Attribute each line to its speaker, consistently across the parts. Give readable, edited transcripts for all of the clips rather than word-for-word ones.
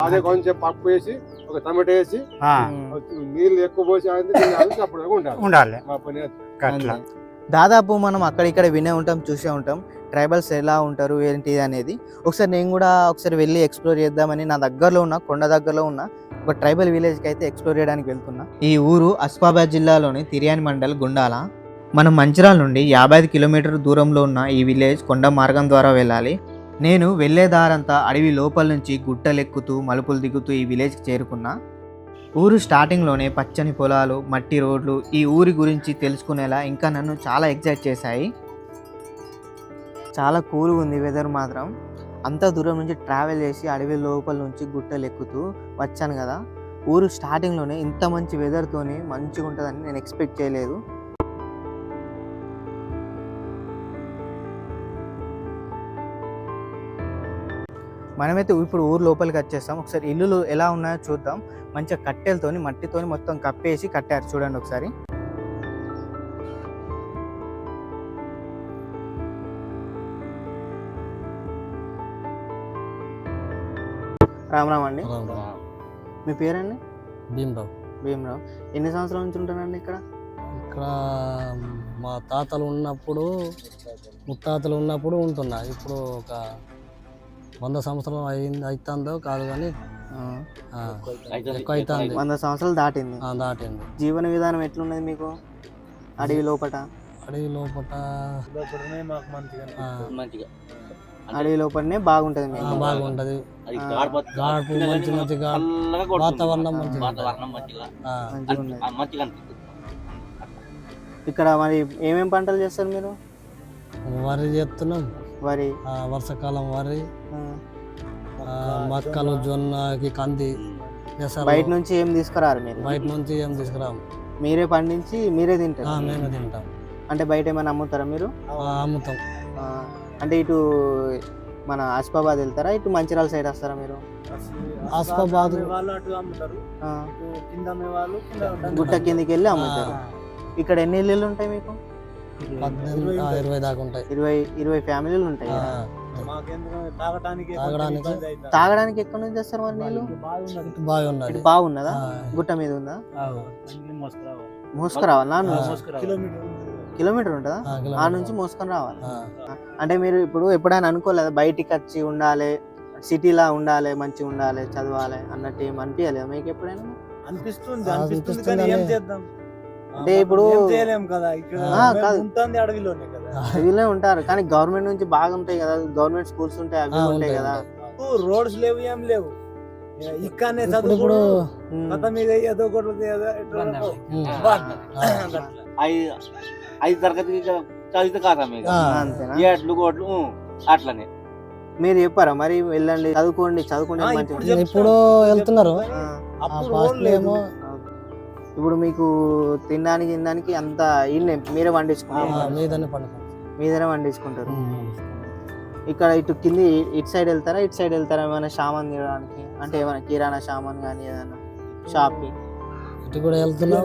Speaker 1: అదే కొంచెం పప్పు వేసి ఒక టమాటో వేసి నీళ్ళు ఎక్కువ పోసి అప్పుడు
Speaker 2: ఉండాలి.
Speaker 1: మా పని
Speaker 2: అట్లా
Speaker 3: దాదాపు మనం అక్కడ ఇక్కడ వినే ఉంటాం, చూసే ఉంటాం ట్రైబల్స్ ఎలా ఉంటారు ఏంటి అనేది. ఒకసారి నేను కూడా ఒకసారి వెళ్ళి ఎక్స్ప్లోర్ చేద్దామని నా దగ్గరలో ఉన్న కొండ దగ్గరలో ఉన్న ఒక ట్రైబల్ విలేజ్కి అయితే ఎక్స్ప్లోర్ చేయడానికి వెళ్తున్నా. ఈ ఊరు ఆసిఫాబాద్ జిల్లాలోని తిర్యాని మండల్ గుండాల. మనం మంచిర్యాల నుండి 55 కిలోమీటర్ దూరంలో ఉన్న ఈ విలేజ్ కొండ మార్గం ద్వారా వెళ్ళాలి. నేను వెళ్ళే దారంతా అడవి లోపల నుంచి గుట్టలెక్కుతూ మలుపులు దిగుతూ ఈ విలేజ్కి చేరుకున్నా. ఊరు స్టార్టింగ్లోనే పచ్చని పొలాలు, మట్టి రోడ్లు ఈ ఊరి గురించి తెలుసుకునేలా ఇంకా నన్ను చాలా ఎక్సైట్ చేశాయి. చాలా కూల్గా ఉంది వెదర్ మాత్రం. అంత దూరం నుంచి ట్రావెల్ చేసి అడవి లోపల నుంచి గుట్టలు ఎక్కుతూ వచ్చాను కదా. ఊరు స్టార్టింగ్లోనే ఇంత మంచి వెదర్తోని మంచిగా ఉంటుందని నేను ఎక్స్పెక్ట్ చేయలేదు. మనమైతే ఇప్పుడు ఊరు లోపలికి వచ్చేస్తాం. ఒకసారి ఇల్లులు ఎలా ఉన్నాయో చూద్దాం. మంచిగా కట్టెలతోని మట్టితోని మొత్తం కప్పేసి కట్టారు, చూడండి ఒకసారి. రామరామ్ అండి, మీ పేరండి? భీమరావు. ఎన్ని సంవత్సరాల నుంచి ఉంటానండి ఇక్కడ?
Speaker 4: ఇక్కడ మా తాతలు ఉన్నప్పుడు, ముత్తాతలు ఉన్నప్పుడు ఉంటున్నా. ఇప్పుడు ఒక 100 సంవత్సరాలు అవుతుందో కాదు కానీ ఎక్కువ అవుతుంది.
Speaker 3: 100 సంవత్సరాలు దాటింది. జీవన విధానం ఎట్లున్నది మీకు అడవి లోపట? అడవి లోపలనే బాగుంటది మీకు?
Speaker 4: బాగుంటది. గాడుపు మంచి వాతావరణం
Speaker 3: ఇక్కడ మరి ఏమేం పంటలు చేస్తారు మీరు?
Speaker 4: వరి చేస్తున్నాం.
Speaker 3: వరి,
Speaker 4: వర్షాకాలం వరి, మక్కలు, జొన్నకి కంది.
Speaker 3: బయట నుంచి ఏం తీసుకురారు మీరు?
Speaker 4: బయట నుంచి ఏం తీసుకురాము,
Speaker 3: మీరే పండించి మీరే తింటారు?
Speaker 4: మేమే తింటాం.
Speaker 3: అంటే బయట ఏమైనా అమ్ముతారా మీరు?
Speaker 4: అమ్ముతాం.
Speaker 3: అంటే ఇటు మన ఆసిఫాబాద్ వెళ్తారా, ఇటు మంచిర్యాల సైడ్ వస్తారా మీరు?
Speaker 4: ఆసిఫాబాద్
Speaker 3: గుట్ట కిందికి వెళ్ళి అమ్ముతారు. ఇక్కడ ఎన్ని ఇల్లులు ఉంటాయి మీకు?
Speaker 4: 20 దాకా ఉంటాయి.
Speaker 3: 20 ఫ్యామిలీలు ఉంటాయి. తాగడానికి ఎక్కడి నుంచి వస్తారు మరి నీళ్ళు? బాగున్నదా? గుట్ట మీద ఉందా? మోసుకురావాలా? కిలోమీటర్ ఉంటుందా? ఆ నుంచి మోసుకొని రావాలి. అంటే మీరు ఇప్పుడు ఎప్పుడైనా అనుకోలేదా బయటికి వచ్చి ఉండాలి, సిటీలా ఉండాలి, మంచిగా ఉండాలి, చదవాలి అన్నట్టు ఏం అనిపించలేదు మీకు ఎప్పుడైనా? అంటే ఇప్పుడు అడవిలో ఉంటారు కానీ గవర్నమెంట్ నుంచి బాగా ఉంటాయి కదా, గవర్నమెంట్ స్కూల్స్ ఉంటాయి, అవి ఉంటాయి కదా.
Speaker 5: రోడ్స్ లేవు, ఏం లేవు. ఇక్కడనే చదువు
Speaker 6: ఐదు తరగతి చదివితే కాదా అట్లనే
Speaker 3: మీరు చెప్పారా మరి వెళ్ళండి చదువుకోండి
Speaker 4: ఇప్పుడు వెళ్తున్నారు?
Speaker 3: ఇప్పుడు మీకు తినడానికి అంత మీరే వండించుకుంటారు? మీదనే వండించుకుంటారు. ఇక్కడ ఇటు కింది ఇటు సైడ్ వెళ్తారా, ఇటు సైడ్ వెళ్తారా ఏమైనా సామాన్ తీయడానికి? అంటే ఏమైనా కిరాణా సామాన్ కానీ ఏదైనా షాప్కి?
Speaker 4: ఇటు కూడా వెళ్తారా?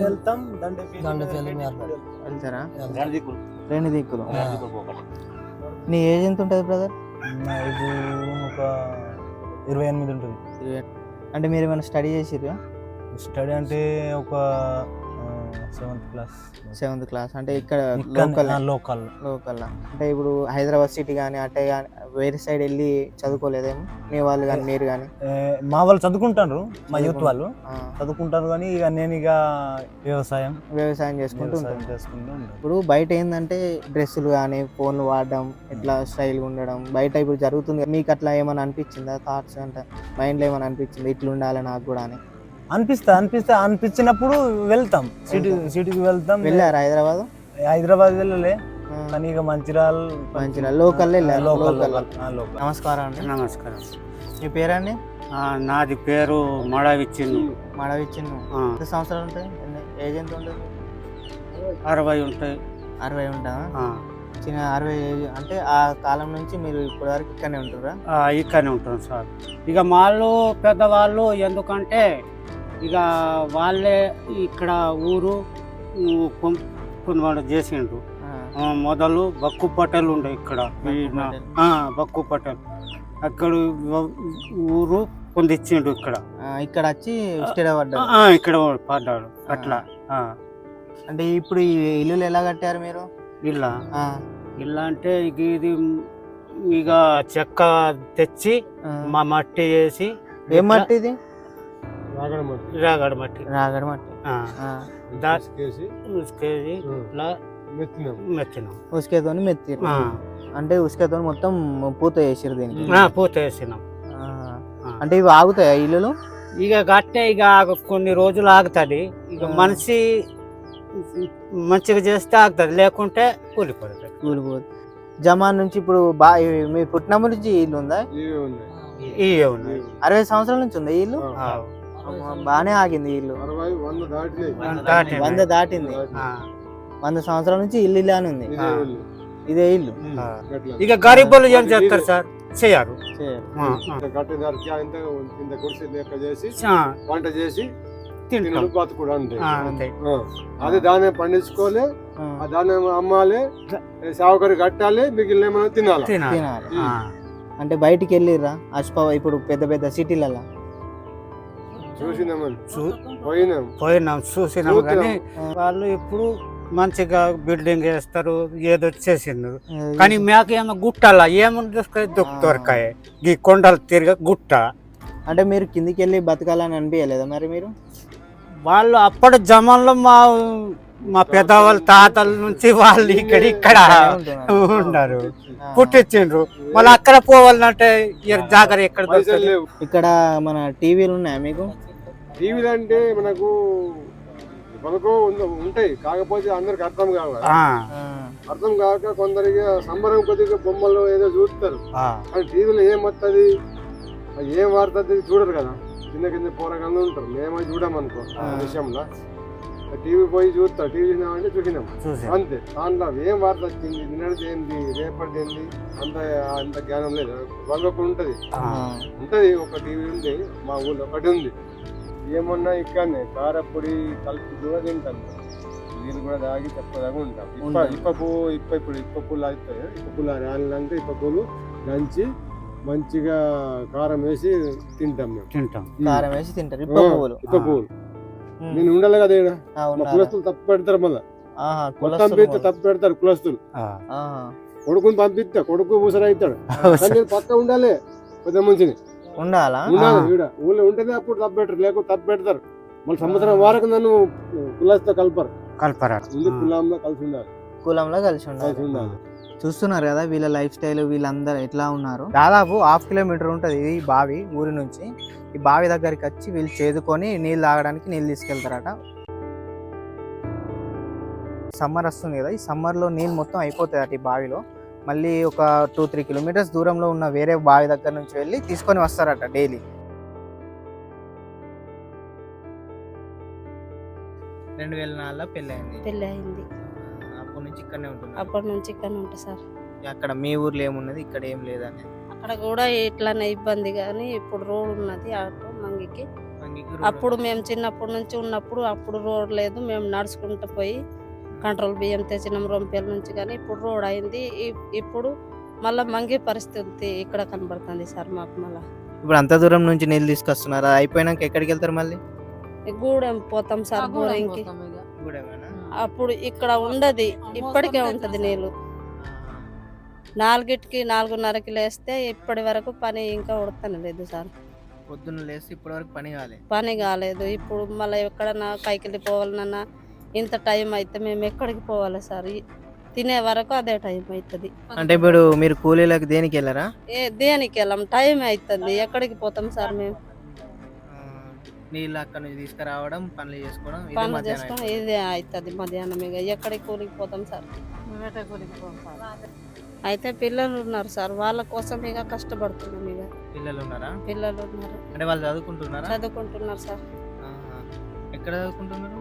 Speaker 3: రెండు దిక్కులు. నీ ఏజ్ ఎంత ఉంటుంది బ్రదర్?
Speaker 5: ఒక 28 ఉంటుంది.
Speaker 3: అంటే మీరు ఏమైనా స్టడీ చేసిర్రా?
Speaker 5: స్టడీ అంటే ఒక 7th క్లాస్.
Speaker 3: అంటే ఇక్కడ
Speaker 5: లోకల్
Speaker 3: అంటే ఇప్పుడు హైదరాబాద్ సిటీ కానీ అటే కానీ వేరే సైడ్ వెళ్ళి చదువుకోలేదేమో మీ వాళ్ళు కానీ మీరు కానీ?
Speaker 5: మా వాళ్ళు చదువుకుంటారు, మా యూత్ వాళ్ళు చదువుకుంటారు కానీ ఇక నేను ఇక వ్యవసాయం
Speaker 3: చేసుకుంటూ ఉంటాను. ఇప్పుడు బయట ఏంటంటే డ్రెస్సులు కానీ ఫోన్లు వాడడం, ఇట్లా స్టైల్గా ఉండడం బయట ఇప్పుడు జరుగుతుంది. మీకు అట్లా ఏమైనా అనిపించిందా? థాట్స్ అంటే మైండ్లో ఏమైనా అనిపించింది ఇట్లా ఉండాలి నాకు కూడా అని?
Speaker 5: అనిపించినప్పుడు వెళ్తాం, సిటీకి వెళ్తాం.
Speaker 3: వెళ్ళారు హైదరాబాద్?
Speaker 5: వెళ్ళలే కానీ ఇక మంచిర్యాల
Speaker 3: లోకల్ వెళ్ళారు.
Speaker 2: నమస్కారం అండి. నమస్కారం.
Speaker 3: మీ పేరండి?
Speaker 2: నాది పేరు మడవిచ్చిన్ను.
Speaker 3: ఎంత సంవత్సరాలు ఉంటాయి? ఏజ్ ఎంత ఉంటుంది?
Speaker 2: 60 ఉంటాయి.
Speaker 3: 60 ఉంటుందా? చిన్న 60 ఏజ్. అంటే ఆ కాలం నుంచి మీరు ఇప్పటి వరకు ఇక్కడనే ఉంటురా?
Speaker 2: ఇక్కడనే ఉంటాం సార్. ఇక వాళ్ళు పెద్దవాళ్ళు ఎందుకంటే ఇక వాళ్ళే ఇక్కడ ఊరు కొనుగోలు చేసిండ్రు. మొదలు బక్కు పటేల్ ఉండే ఇక్కడ, బక్కు పటేల్ అక్కడ ఊరు పొందిచ్చిండు ఇక్కడ.
Speaker 3: ఇక్కడ వచ్చి స్థిరపడ్డారు.
Speaker 2: ఇక్కడ పడ్డాడు అట్లా.
Speaker 3: అంటే ఇప్పుడు ఈ ఇల్లులు ఎలా కట్టారు మీరు?
Speaker 2: ఇల్లా ఇల్లా అంటే ఇది ఇక చెక్క తెచ్చి మా మట్టి వేసి.
Speaker 3: ఏం మట్టి ఇది?
Speaker 2: రాగడ మట్టి.
Speaker 3: రాగడ మట్టి. ఉసుకేతో మెత్తిరు. అంటే ఉసుకేతో మొత్తం పూత వేసిరు దీనికి.
Speaker 2: పూత వేసినాం.
Speaker 3: అంటే ఇవి ఆగుతాయా ఇల్లులు?
Speaker 2: ఇక గట్టే ఇక కొన్ని రోజులు ఆగుతుంది. ఇక మనిషి మంచిగా చేస్తే ఆగుతుంది, లేకుంటే కూలిపోతుంది.
Speaker 3: జమాన్ నుంచి ఇప్పుడు మీ పుట్టినప్పటి నుంచి ఇల్లు ఉందా?
Speaker 2: ఇవే ఉన్నాయి.
Speaker 3: 60 సంవత్సరాల నుంచి ఉందా ఇల్లు? బానే ఆగింది ఇల్లు. 100 దాటింది. 100 సంవత్సరాల నుంచి ఇల్లు ఇలానే ఉంది. ఇదే ఇల్లు.
Speaker 2: ఇక గరీబులు ఏం చేస్తారు సార్? చేయరు.
Speaker 1: వంట చేసి
Speaker 2: తింటారు,
Speaker 1: బతుకుడు అంతే. అదే దాన్ని పండించుకోలే, ఆ దాన్ని అమ్మాలి, సావుకరి కట్టాలి, మిగిలిన మనం తినాలి.
Speaker 3: తినాలి. అంటే బయటికి వెళ్ళిర్రా ఇప్పుడు పెద్ద పెద్ద సిటీలలో?
Speaker 2: పోయినాం చూసినాం. కానీ వాళ్ళు ఇప్పుడు మంచిగా బిల్డింగ్ వేస్తారు, ఏదో చేసిండ్రు. కానీ మేకేమో గుట్టలా ఏముంది దొరకాయ, ఈ కొండలు తిరిగి గుట్ట.
Speaker 3: అంటే మీరు కిందికి వెళ్ళి బతకాలని అనిపించలేదా మరి మీరు?
Speaker 2: వాళ్ళు అప్పటి జమాన్లో మా పెద్దవాళ్ళ తాతల నుంచి వాళ్ళు ఇక్కడ ఉన్నారు, పుట్టించిండ్రు. మళ్ళీ అక్కడ పోవాలంటే జాగ్రత్త ఎక్కడ దొరుకుతుంది?
Speaker 3: ఇక్కడ మన టీవీలు ఉన్నాయా మీకు?
Speaker 1: టీవీలు అంటే మనకు ఉంటాయి, కాకపోతే అందరికి అర్థం కావాలి. అర్థం కాక కొందరికి సంబరం కొద్దిగా బొమ్మలు ఏదో చూస్తారు. కానీ టీవీలో ఏం వస్తుంది, ఏం వాడుతుంది చూడరు కదా. చిన్న కింద పోరగాళ్ళు ఉంటారు, మేమే చూడమనుకో ఆ విషయంలో. టీవీ పోయి చూస్తాం, టీవీ చూసినామంటే చూసినాం అంతే. దాంట్లో ఏం వార్త వచ్చింది, నిన్నటి ఏంది, రేపటి ఏంది, అంత జ్ఞానం లేదు. వాళ్ళకు ఉంటది. ఒక టీవీ ఉంది మా ఊళ్ళో, ఒకటి ఉంది. ఏమన్నా ఇక్కడనే కారపొడి కలిపి కూడా తింటాను, నీళ్ళు కూడా తాగి తక్కువదాకా ఉంటాం. ఇప్ప పూలు అవుతాయి, ఇప్ప పూలు రాలినాక ఇప్ప పూలు దంచి మంచిగా కారం వేసి తింటాం మేము.
Speaker 3: కారం వేసి తింటారు ఇప్ప పువ్వులు.
Speaker 1: నేను ఉండాలి కదా ఇక్కడ, కులస్తులు తప్పు పెడతారు. మళ్ళీ పంపిస్తే తప్పు పెడతారు కులస్తులు. కొడుకుని పంపిస్తా, కొడుకు ముసరైతాడు. నేను పక్క ఉండాలి, పెద్ద మంచిని
Speaker 3: ఉండాలి.
Speaker 1: ఊళ్ళో ఉంటేనే అప్పుడు తప్పు పెట్టరు, లేకపోతే తప్పు పెడతారు. మళ్ళీ సంవత్సరం వరకు నన్ను కులస్తో కలపరు. కులంలో కలిసి ఉండాలి.
Speaker 3: కులంలో కలిసి ఉండాలి. చూస్తున్నారు కదా వీళ్ళ లైఫ్ స్టైల్, వీళ్ళందరూ ఎట్లా ఉన్నారు. దాదాపు 1/2 కిలోమీటర్ ఉంటుంది ఈ బావి ఊరి నుంచి. ఈ బావి దగ్గరికి వచ్చి వీళ్ళు చేదుకొని నీళ్ళు తాగడానికి నీళ్ళు తీసుకెళ్తారట. సమ్మర్ వస్తుంది కదా, ఈ సమ్మర్లో నీళ్ళు మొత్తం అయిపోతాయి అట ఈ బావిలో. మళ్ళీ ఒక 2-3 కిలోమీటర్స్ దూరంలో ఉన్న వేరే బావి దగ్గర నుంచి వెళ్ళి తీసుకొని వస్తారట డైలీ. 2004లో పెళ్ళయింది.
Speaker 7: అప్పటి నుంచి ఇక్కడనే ఉంటా సార్.
Speaker 3: అక్కడ మీ ఊర్లో ఏమున్నది, ఇక్కడ ఏం లేదని?
Speaker 7: అక్కడ కూడా ఇట్లానే ఇబ్బంది, కానీ ఇప్పుడు రోడ్ ఉన్నది అటు మంగికి. అప్పుడు మేము చిన్నప్పటి నుంచి ఉన్నప్పుడు అప్పుడు రోడ్ లేదు, మేము నడుచుకుంటూ పోయి కంట్రోల్ బియ్యం తెచ్చినాం రొంపేల నుంచి. కానీ ఇప్పుడు రోడ్ అయింది. ఇప్పుడు మళ్ళీ మంగి పరిస్థితి ఇక్కడ కనబడుతుంది సార్ మాకు. మళ్ళీ
Speaker 3: ఇప్పుడు అంత దూరం నుంచి నీళ్ళు తీసుకొస్తున్నారు, అయిపోయినాక ఎక్కడికి వెళ్తారు? మళ్ళీ
Speaker 7: గూడెం పోతాం సార్, బోరింగ్కి. అప్పుడు ఇక్కడ ఉండదు, ఇప్పటికే ఉంటది నీళ్ళు. 4కి 4:30కి లేస్తే ఇప్పటి వరకు పని ఇంకా ఉడతానే లేదు సార్.
Speaker 3: పొద్దున్న లేస్తే ఇప్పటి వరకు
Speaker 7: పని కాలేదు. ఇప్పుడు మళ్ళీ ఎక్కడన్నా కైకిలి పోవాలన్నా ఇంత టైం అయితే మేము ఎక్కడికి పోవాలి సార్? తినే వరకు అదే టైం అవుతుంది.
Speaker 3: అంటే ఇప్పుడు మీరు కూలీలకు దేనికి వెళ్ళారా?
Speaker 7: దేనికి వెళ్ళాం, టైం అవుతుంది. ఎక్కడికి పోతాం సార్ మేము?
Speaker 3: నీళ్ళు అక్కడ నుంచి తీసుకురావడం, పనులు చేసుకోవడం
Speaker 7: ఇదే అవుతుంది మధ్యాహ్నం. ఇక ఎక్కడికి కూలికి పోతాం సార్? అయితే పిల్లలు ఉన్నారు సార్, వాళ్ళ కోసం ఇక కష్టపడుతున్నాం. ఇక
Speaker 3: పిల్లలు ఉన్నారా?
Speaker 7: పిల్లలు ఉన్నారు.
Speaker 3: అంటే వాళ్ళు చదువుకుంటున్నారా?
Speaker 7: చదువుకుంటున్నారు సార్.
Speaker 3: ఎక్కడ చదువుకుంటున్నారు?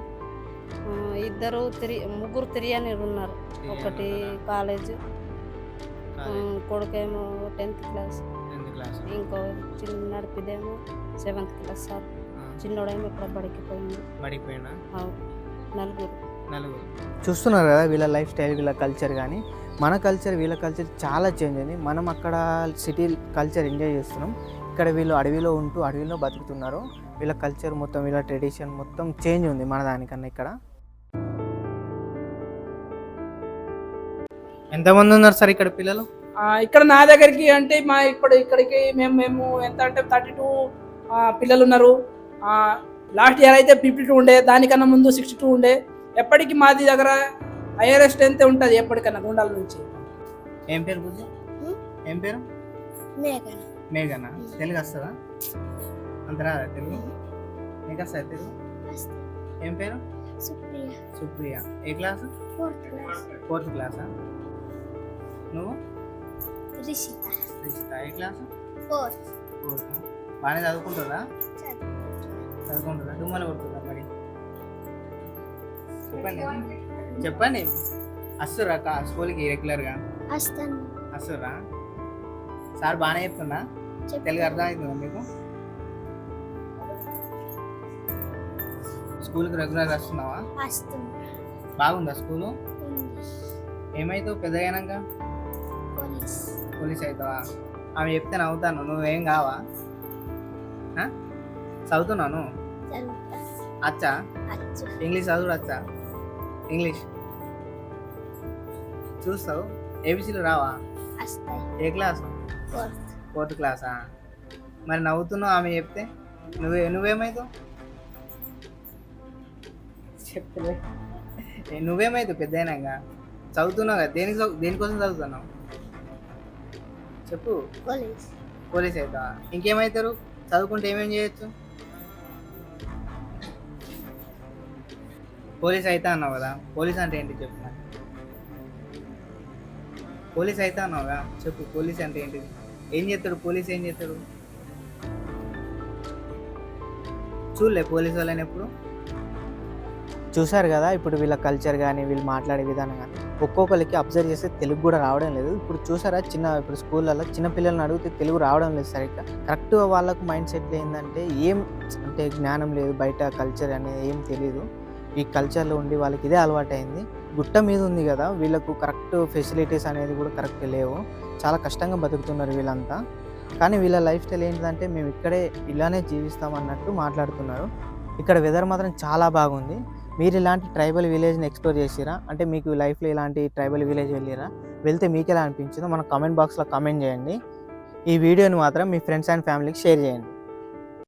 Speaker 7: ముగ్గురు తిరియని ఉన్నారు. ఒకటి కాలేజ్, కొడుకేమో 10th క్లాస్, ఇంకో చిన్న నడిపిదేమో 7th క్లాస్ సార్. చిన్నోడేమో ఇక్కడ బడికి పోయినా. నలుగురు. చూస్తున్నారు కదా వీళ్ళ లైఫ్ స్టైల్, వీళ్ళ కల్చర్. కానీ మన కల్చర్ వీళ్ళ కల్చర్ చాలా చేంజ్ అయింది. మనం అక్కడ సిటీ కల్చర్ ఎంజాయ్ చేస్తున్నాం,
Speaker 3: ఇక్కడ వీళ్ళు అడవిలో ఉంటూ అడవిలో బతుకుతున్నారు. వీళ్ళ కల్చర్ మొత్తం, వీళ్ళ ట్రెడిషన్ మొత్తం చేంజ్ ఉంది మన దానికన్నా. ఇక్కడ ఎంతమంది ఉన్నారు సార్ ఇక్కడ పిల్లలు?
Speaker 8: ఇక్కడ నా దగ్గరికి అంటే ఇక్కడికి మేము ఎంత అంటే 32 పిల్లలు ఉన్నారు. లాస్ట్ ఇయర్ అయితే 52 ఉండే, దానికన్నా ముందు 62 ఉండే. ఎప్పటికీ మాది దగ్గర హైయర్ స్ట్రెంత్ ఉంటుంది ఎప్పటికన్నా గుండాల నుంచి.
Speaker 3: ఏం పేరు పూజ? ఏం పేరు? మేఘన. తెలుగు వస్తుందా? అంత రాదా తెలుగు? నీకు వస్తుందా తెలుగు? ఏం పేరు? సుప్రియ. ఏ క్లాసు? 4th క్లాసా? నువ్వు? రిషిత. ఏ క్లాసు? 4th. బాగానే చదువుకుంటుందా? దుమ్మలు కొడుతుందా మరి? చెప్పండి. వస్తురా స్కూల్కి రెగ్యులర్గా? వస్తురా? సార్ బాగానే చెప్తున్నా? తెలుగు అర్థమవుతుందా మీకు? స్కూల్కి రెగ్యులర్గా వస్తున్నావా? బాగుందా స్కూలు? ఏమవుతావు పెద్ద అయినాక? పోలీస్ అవుతావా? ఆమె చెప్తే నవ్వుతాను, నువ్వేం కావా? చదువుతున్నాను. అచ్చా? ఇంగ్లీష్ చదువు వచ్చా? ఇంగ్లీష్ చూస్తావు? ఏబిసిలు రావా? ఏ క్లాసు? 4th క్లాసా? మరి నవ్వుతున్నావు ఆమె చెప్తే? నువ్వేమవుతావు? చెప్పలే. నువ్వేమవుతావు పెద్ద అయినాక? చదువుతున్నావు కదా, దేనికోసం చదువుతున్నావు చెప్పు? పోలీస్ అవుతావా? ఇంకేమవుతారు చదువుకుంటే? ఏమేం చేయొచ్చు? పోలీస్ అవుతా అన్నావు కదా, పోలీస్ అంటే ఏంటి చెప్పు. పోలీస్ అవుతా అన్నావుగా, చెప్పు పోలీస్ అంటే ఏంటిది? ఏం చేస్తాడు పోలీస్? ఏం చేస్తాడు? చూడలే పోలీస్ వాళ్ళని ఎప్పుడు? చూశారు కదా ఇప్పుడు వీళ్ళ కల్చర్ కానీ వీళ్ళు మాట్లాడే విధానం కానీ ఒక్కొక్కరికి అబ్జర్వ్ చేస్తే తెలుగు కూడా రావడం లేదు. ఇప్పుడు చూసారా ఇప్పుడు స్కూళ్ళల్లో చిన్న పిల్లల్ని అడిగితే తెలుగు రావడం లేదు సరిగ్గా. కరెక్ట్గా వాళ్ళకు మైండ్ సెట్ ఏంటంటే అంటే జ్ఞానం లేదు, బయట కల్చర్ అనేది ఏం తెలీదు. ఈ కల్చర్లో ఉండి వాళ్ళకి ఇదే అలవాటైంది. గుట్ట మీద ఉంది కదా, వీళ్ళకు కరెక్ట్ ఫెసిలిటీస్ అనేది కూడా కరెక్ట్ లేవు. చాలా కష్టంగా బతుకుతున్నారు వీళ్ళంతా. కానీ వీళ్ళ లైఫ్ స్టైల్ ఏంటంటే మేము ఇక్కడే ఇలానే జీవిస్తామన్నట్టు మాట్లాడుతున్నారు. ఇక్కడ వెదర్ మాత్రం చాలా బాగుంది. మీరు ఇలాంటి ట్రైబల్ విలేజ్ని ఎక్స్ప్లోర్ చేసిరా? అంటే మీకు లైఫ్లో ఇలాంటి ట్రైబల్ విలేజ్ వెళ్ళిరా? వెళ్తే మీకు ఎలా అనిపించిందో మన కామెంట్ బాక్స్లో కామెంట్ చేయండి. ఈ వీడియోని మాత్రం మీ ఫ్రెండ్స్ అండ్ ఫ్యామిలీకి షేర్ చేయండి.